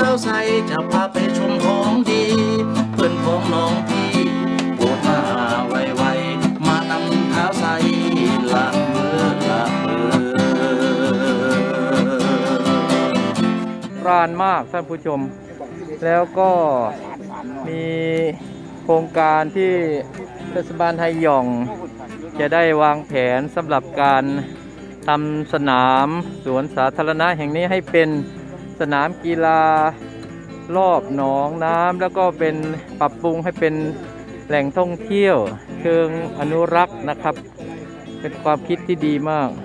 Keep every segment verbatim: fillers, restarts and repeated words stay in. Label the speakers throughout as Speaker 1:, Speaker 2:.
Speaker 1: าวใสจะพาไปชมของดีเพื่อนของน้องพี่โปรดมาไวๆมานำเท้าใสละเมอละเมอ
Speaker 2: รานมากท่านผู้ชมแล้วก็มีโครงการที่เทศบาลไฮยองจะได้วางแผนสำหรับการทำสนามสวนสาธารณะแห่งนี้ให้เป็นสนามกีฬารอบหนองน้ำแล้วก็เป็นปรับปรุงให้เป็นแหล่งท่องเที่ยวเชิงอนุรักษ์นะครับเป็นความคิดที่ดีมาก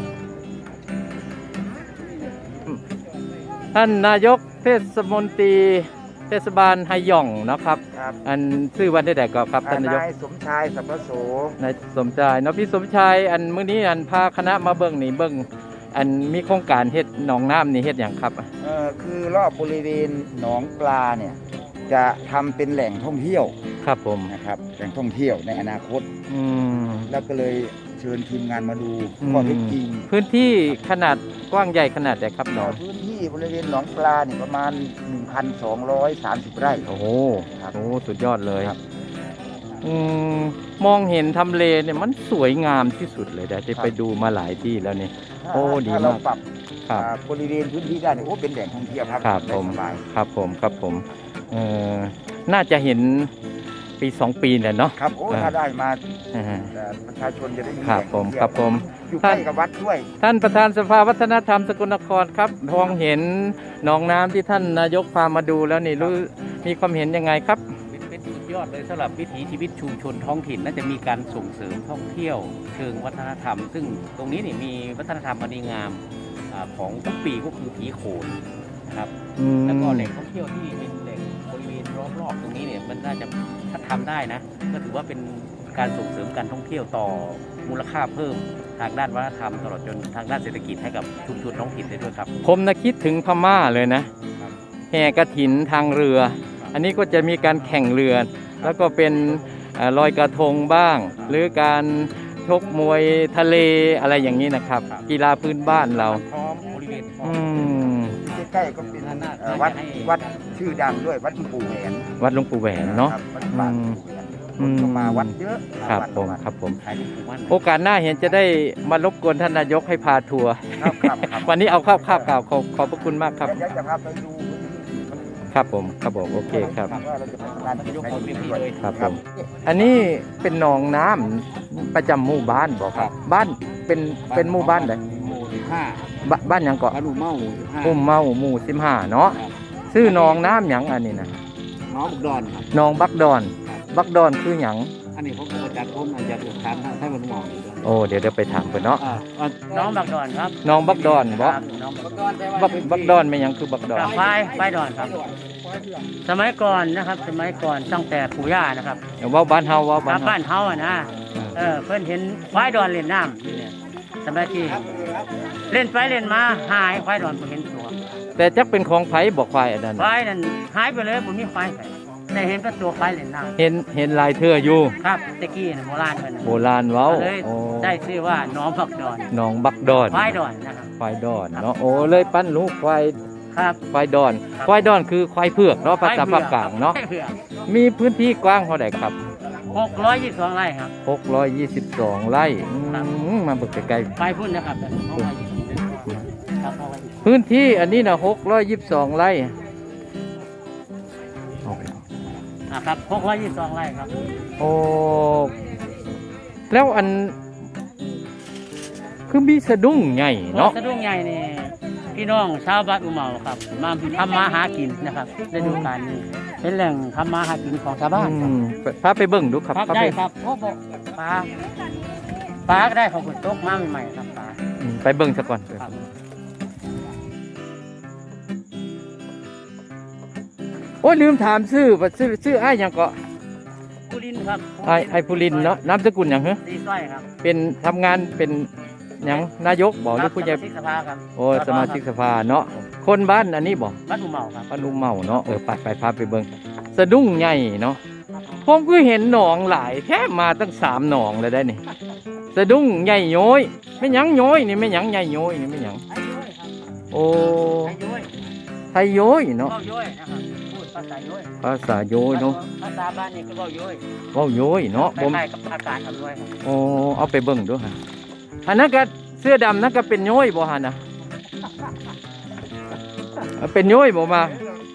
Speaker 2: ท่านนายกเทศมนตรีเทศบาลไฮยองนะครับอันชื่อวันได้แต่ก็ครับท่านนายก
Speaker 3: นายสมชายสัมปโส
Speaker 2: นายสมชายเนาะพี่สมชายอันมื้อนี้อันพาคณะมาเบิ่งนี่เบิ่งอันมีโครงการเฮ็ดหนองน้ำนี่เฮ็ดอย่างครับ
Speaker 3: เออคือรอบบริเวณหนองปลาเนี่ยจะทำเป็นแหล่งท่องเที่ยว
Speaker 2: ครับผม
Speaker 3: นะครับแหล่งท่องเที่ยวในอนาคต
Speaker 2: อืม
Speaker 3: แล้วก็เลยเชิญทีมงานมาดูข้อเท็จจริง
Speaker 2: พื้นที่ขนาดกว้างใหญ่ขนาดไหนครับหนอง
Speaker 3: พื้นที่บริเวณหนองปลาเนี่ยประมาณ หนึ่งพันสองร้อยสามสิบ ไร่
Speaker 2: โอ้โหครับโอ้สุดยอดเลยครับอืมมองเห็นทำเลเนี่ยมันสวยงามที่สุดเลยได้ไปดูมาหลายที่แล้วนี่โอ้ดีมาก
Speaker 3: ครับบริเวณพื้นที่ได้เนี่ยโอ้เป็นแหล่งท่องเที่ยวครับ
Speaker 2: ครับผมครับผมครับผมเอ่อน่าจะเห็นปีสองปีแหละเนาะ
Speaker 3: ครับโอ้ถ้าได้มาประชาชนจะได้มี
Speaker 2: ครับผมครับผม
Speaker 3: อยู่ใกล้กับวัดด้วย
Speaker 2: ท่านประธานสภาวัฒนธรรมสกลนครครับมองเห็นหนองน้ำที่ท่านนายกพามาดูแล้วนี่รู้มีความเห็นยังไงครับ
Speaker 4: เป็นสุดยอดเลยสำหรับวิถีชีวิตชุมชนท้องถิ่นน่าจะมีการส่งเสริมท่องเที่ยวเชิงวัฒนธรรมซึ่งตรงนี้นี่มีวัฒนธรรมอันดีงามของทุกปีก็คือผีโขนนะครับแล้วก็แหล่งท่องเที่ยวที่เป็นแหล่งบริเวณรอบๆตรงนี้เนี่ยมันน่าจะถ้าทำได้นะก็ถือว่าเป็นการส่งเสริมการท่องเที่ยวต่อมูลค่าเพิ่มทางด้านวัฒนธรรมตลอดจนทางด้านเศรษฐกิจให้กับชุมชนท้องถิ่นได้ด้วยครับ
Speaker 2: ผมนะคิดถึงพม่าเลยนะแห่กฐินทางเรืออันนี้ก็จะมีการแข่งเรือแล้วก็เป็นลอยกระทงบ้างหรือการชกมวยทะเลอะไรอย่างนี้นะครับกีฬาพื้นบ้านเรา
Speaker 4: บริเวณ
Speaker 2: อืม
Speaker 3: ใกล้ๆก็เป็นวัดวัดชื่อดังด้วยวัดหลวงปู่แหวน
Speaker 2: วัดหลวงปู่แหวนเนาะ
Speaker 3: อืมมาวัดเยอะ
Speaker 2: ครับผมครับผมโอกาสหน้าเห็นจะได้มารบกวนท่านนายกให้พาทัวร์วันนี้เอาข้าวข้าวกล่าวขอขอบพระคุณมากครับ
Speaker 3: จะพาไปดู
Speaker 2: ครับผมครับผมโอเคครับครับผมอันนี้เป็นหนองน้ำประจำหมู่บ้านบอกครับบ้านเป็นเป็นหมู่บ้านไหน
Speaker 4: หมู่สิบห้า
Speaker 2: บ้านยังเกาะ
Speaker 4: บ้านหมู่เมาหมู่สิบห้า
Speaker 2: หมู่เมาหมู่สิบห้าเนาะชื่อหนองน้ำหยังอันนี้นะ
Speaker 4: น้องบักดอนครับ
Speaker 2: หนองบักดอนบักดอนคือหยัง
Speaker 4: อันนี้ผมอาจารย์ผมอาจารย์ถามให้มันมอง
Speaker 2: โอ้เดี๋ยวเดี๋ยวไปถามกันเนาะ
Speaker 4: น้องบักดอนครับ
Speaker 2: น้องบักดอนบ่บักบักดอนไม่ยังคือบักดอน
Speaker 4: ไฟไฟดอนครับสมัยก่อนนะครับสมัยก่อนตั้งแต่ปู่ย่านะครับ
Speaker 2: ว่าบ้านเฮาว่าบ้าน
Speaker 4: บ้านเฮาอ่ะนะเออเพิ่นเห็นควายดอนเล่นน้ำเนี่ยสมัยที่เล่นไปเล่นมาหายควายดอนบ่เห็นตัว
Speaker 2: แต่จักเป็นของไผบ่ควายอันนั้น
Speaker 4: ควายนั่นหายไปเลยบ่มีควายแต่เห็นก็ตัวควายเล่นน้ำ
Speaker 2: เห็นเห็นลายเทื่ออยู่
Speaker 4: ครับตะกี้โบราณเพิ่น
Speaker 2: โบราณเว้า
Speaker 4: ได้ชื่อว่าน้องบักดอน
Speaker 2: น้องบักดอน
Speaker 4: ควายดอนนะครับ
Speaker 2: ควายดอนเนาะโอ้เลยปั้นลูกควาย
Speaker 4: ครับ
Speaker 2: ควายดอนควายดอนคือควายเผือกเนาะภาษาภาคกลางเนาะมีพื้นที่กว้างเท่าไหร่ครับ
Speaker 4: หกร้อยยี่สิบสองไร่ครับ
Speaker 2: หกร้อยยี่สิบสองไร่มาเบิกใกล้
Speaker 4: ๆไปพุ่นนะครับ
Speaker 2: พื้นที่อันนี้นะหกร้อยยี่สิบสองไร่
Speaker 4: ครับหกร้อยยี่สิบสองไร่ครับ
Speaker 2: โอ้แล้วอันคือมีสะดุ้งใหญ่เนาะ
Speaker 4: สะดุ้งใหญ่นี่พี่น้องชาวบ้านอุเมาครับมาทำมาหากินนะครับฤดูกาลนี้เป็นแหล่งทำมาหากินของชาวบ้าน
Speaker 2: พาไปเบิ่งดูครับ
Speaker 4: ได้ครับโอ้โหปลาปลาก็ได้ของฝนตกมาใหม่ๆครับปลา
Speaker 2: ไปเบิ่งซะก่อนโอ้ลืมถามชื่อชื่อชื่อไอ้ยังเกาะ
Speaker 4: ภูรินครับ
Speaker 2: ไอ้ไอ้ภูรินเนาะนามสกุลอย่างเหรอ
Speaker 4: สีสร้อยครับ
Speaker 2: เป็นทำงานเป็นอย่างนายกบอกหรือผู้ใหญ่โอ้สมาชิกสภาเนาะคนบ้านอันนี้บอก
Speaker 4: บ้านอุเมาครับ
Speaker 2: บ้านอุเมาเนาะเออไปไปพาไปเบิ่งสะดุ้งใหญ่เนาะผมก็เห็นหนองหลายแค่มาตั้งสามหนองเลยได้นี่สะดุ้งใหญ่ย้อยไม่ยังย้อยนี่ไม่ยังใหญ่ย้อยนี่ไม่ยังโอ้ททยโย้ยเนาะ
Speaker 4: เว้าโย้ยนะครับพูดภาษาโย้ย
Speaker 2: ภาษาโย้ยเนาะ
Speaker 4: ภาษาบ้านนี่ก็เว้าโย้ย
Speaker 2: เว้าโย้ยเนาะ
Speaker 4: ค
Speaker 2: ผม
Speaker 4: ล้ายๆกับภาษาอำนวยครับ
Speaker 2: โอ้เอาไปเบิ่งดูฮะอันนั้นก็เสื้อดำนั่นก็เป็นโย้ยบ่ฮะนะเอาเป็นโย้ยบ่มา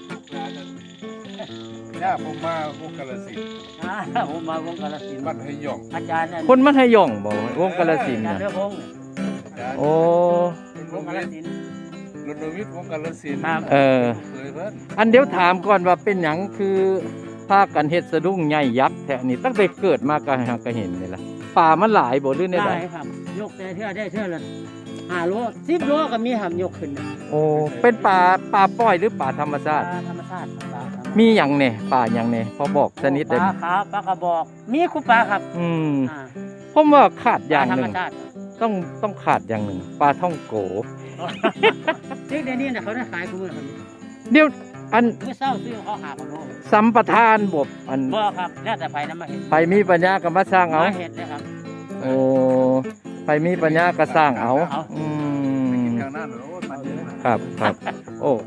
Speaker 5: ย่าผมมาพวกกาลสินธุ์
Speaker 4: อ่าผมมาวงกาฬสินธุ์
Speaker 5: บ้านให้หย่อง
Speaker 4: อาจารย์นั่น
Speaker 2: คนมันให้ย่องบ่วงกาฬสินธุ์
Speaker 4: อาจาร
Speaker 2: น่ะ
Speaker 4: ย์เรือพงษ์
Speaker 2: โอ้
Speaker 4: วงกาฬสินธุ์
Speaker 5: รณวิทย์วงกาลสินธุ์
Speaker 4: ครับ
Speaker 2: เออ
Speaker 5: เคยเพิ่น
Speaker 2: อันเดี๋ยวถามก่อนว่าเป็นหยังคือพากันเฮ็ดสะดุ้งใหญ่ยักษ์แท้นี่ตั้งแต่เกิดมาก็หาก็เห็นนี่ล่ะป่ามันหลายบ่หรือในใด
Speaker 4: ได้ครับยกแต่เทื่อได้เทื่อละห้าโลสิบโลก็มีหำยกขึ้นนะ
Speaker 2: โอ้เป็นป่าป่าปล่อยหรือป่าธรรมชาติ
Speaker 4: ปลธรรมชาติปลาธรรมชาติ
Speaker 2: มีหยังแน่ป่าหยังแน่พอบอกชนิด
Speaker 4: ป
Speaker 2: ได้ไหม
Speaker 4: ลาขาวปลากระบอก มีคู่ปลาครับ
Speaker 2: อืม
Speaker 4: อ่า
Speaker 2: ผมว่าขาดอ
Speaker 4: ปลา
Speaker 2: ย่าง
Speaker 4: ธร
Speaker 2: ห
Speaker 4: รม
Speaker 2: นึ่ง
Speaker 4: ชาติ
Speaker 2: ต้องต้องขาดอย่างหนึ่งปลาท่องโก
Speaker 4: ที่เดี๋ยวนี้นะเขาได้ขายคู่มือครับ
Speaker 2: เดี๋ยวอัน
Speaker 4: เมื่อเศร้าซื้อเขาหาคนโล
Speaker 2: สัมปทานบบอัน
Speaker 4: บ่ครับแล้วแต่ไผนำมาเห็น
Speaker 2: ไปมีปัญญาก็มาสร้างเอา
Speaker 4: มาเห็นเลยครับ
Speaker 2: โอ้ไปมีปัญญาก็สร้างเอา
Speaker 4: เอา
Speaker 2: อืม
Speaker 5: ทางนั้นโอ้ยมันเยอะ
Speaker 2: ครับครับโอ้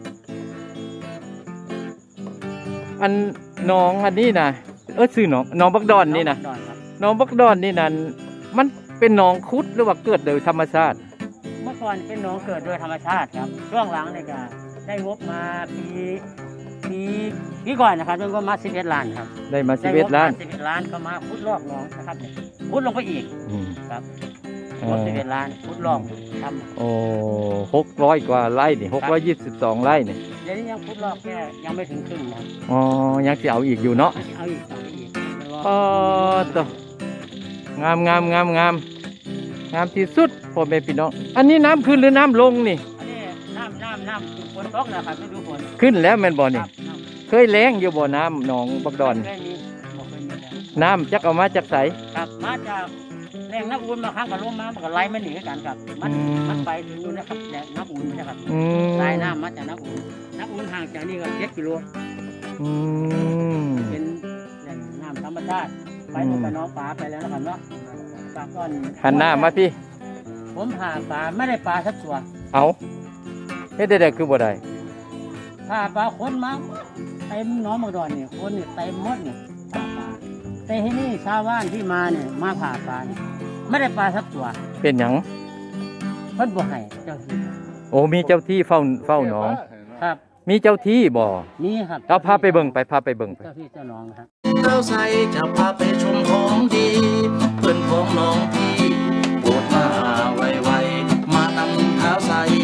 Speaker 2: อันน้องอันนี้นะเออชื่อน้องน้องบักดอนนี่นะ
Speaker 4: ดอนครับ
Speaker 2: น้องบักดอนนี่นั่นมันเป็นหนองคุดหรือว่าเกิดโดยธรรมชาติ
Speaker 4: เมื่อก่อนเป็นหนองเกิดโดยธรรมชาติครับ ช่วงหลังเนี่ยก็ได้งบมาปีปีปีก่อนนะครับได้งบมาสิบเอ็ดล้านครับ
Speaker 2: ได้มาสิบเอ็ดล้าน
Speaker 4: สิบเอ็ดล้านก็มาพุดลอกหนองนะครับเนี่ยพุดลงไปอีก
Speaker 2: อืม
Speaker 4: ครับ
Speaker 2: เอ่
Speaker 4: งบ
Speaker 2: อ
Speaker 4: สิบเอ็ดล้านพุดลอกท
Speaker 2: โอ้หกร้อยกว่าไร่นี่หกร้อยยี่สิบสองไร่นี่
Speaker 4: ำเดี๋ยวนี้ยังพุดลอกแค่ยังไม่ถึงครึ่งนะครับ
Speaker 2: อ๋อยังจะเอาอีกอยู่เนาะ
Speaker 4: เอาอีกเอาอีกมันรอ
Speaker 2: อ๋อตัวงามงามงามงามงามที่สุดพ่อแม่พี่น้องอันนี้น้ำขึ้นหรือน้ำลงนี่
Speaker 4: อันนี้น้ำน้ำน้ำฝนตกนะครับฤดูฝน
Speaker 2: ขึ้นแล้วแม่นบ่
Speaker 4: ค
Speaker 2: นี่
Speaker 4: รับน้
Speaker 2: เคยแล้งอยู่บ่น้ำหนองบัก
Speaker 4: ำ
Speaker 2: ดอน
Speaker 4: เคยมีบอกเคยมีแล้ว
Speaker 2: น้ำจักเอามาจากไส
Speaker 4: ครับมาจากแรงน้ำอุ่นมาข้างกับลมมามันก็ไหลไม่หนีกันครับ มัน
Speaker 2: อืม
Speaker 4: มันไปถึงนู่นนะครับแรงน้ำอุ่นนะครับ
Speaker 2: อืม
Speaker 4: สายน้ำมาจากน้ำอุ่นน้ำอุ่นห่างจากนี่ก็เจ็ดกิโล
Speaker 2: อืม
Speaker 4: เป็นแหล่งน้ำธรรมชาติไปลงไปน้องปลาไปแล้วนะครับเนาะปลาก้อน
Speaker 2: หันหน้ามาพี่
Speaker 4: ผมหาปลาไม่ได้ปลาสักตัว
Speaker 2: เอาเฮ็ดได้ๆคือบ่ได้
Speaker 4: ถ้าปลาคนมาเต็มหน้องมังดอนเนี่ยคนเนี่ยเต็มหมดเนี่ยปลาปลาแต่ที่นี่ชาวบ้านที่มาเนี่ยมาผ่าปลาเนี่ยไม่ได้ปลาสักตัว
Speaker 2: เป็นหยัง
Speaker 4: เพิ่นบ่ให้เจ้าที่
Speaker 2: โอ้มีเจ้าที่เฝ้าเฝ้าหนอง
Speaker 4: ครับ
Speaker 2: มีเจ้าที่บ่
Speaker 4: นี่ครับ
Speaker 2: เอาพาไปเบิ่งไปพาไปเบิ่งไป
Speaker 4: เจ้าที่เจ้าน้องนะครับ
Speaker 1: เท้าใสจะพาไปชมของดี เพื่อนของน้องพี่โปรดมาไวๆมานำเท้าใส